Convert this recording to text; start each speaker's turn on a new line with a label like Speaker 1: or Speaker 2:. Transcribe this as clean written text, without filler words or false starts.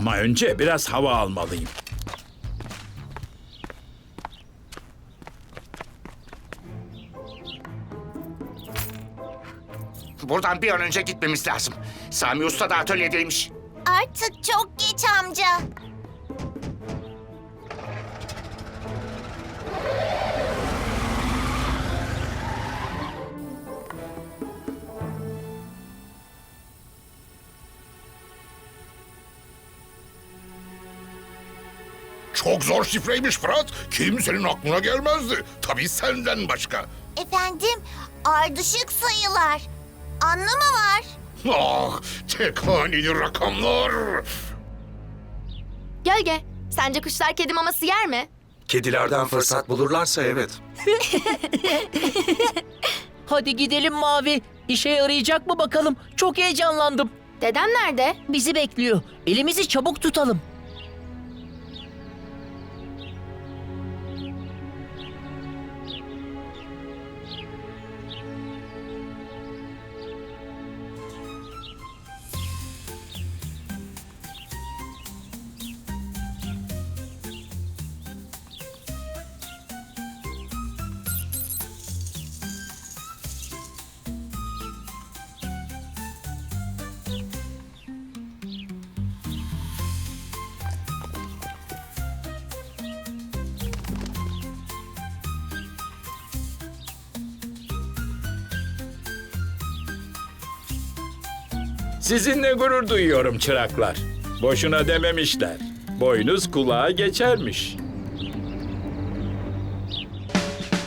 Speaker 1: Ama önce biraz hava almalıyım.
Speaker 2: Buradan bir an önce gitmemiz lazım. Sami Usta da atölyedeymiş.
Speaker 3: Artık çok geç amca.
Speaker 4: Çok zor şifreymiş Fırat. Kimsenin aklına gelmezdi. Tabii senden başka.
Speaker 3: Efendim, ardışık sayılar. Anlamı var.
Speaker 4: Ah, tek haneli rakamlar.
Speaker 5: Gölge, sence kuşlar kedi maması yer mi?
Speaker 6: Kedilerden fırsat bulurlarsa evet.
Speaker 7: Hadi gidelim Mavi. İşe yarayacak mı bakalım? Çok heyecanlandım.
Speaker 5: Deden nerede?
Speaker 7: Bizi bekliyor. Elimizi çabuk tutalım.
Speaker 1: Sizinle gurur duyuyorum çıraklar. Boşuna dememişler. Boynuz kulağa geçermiş.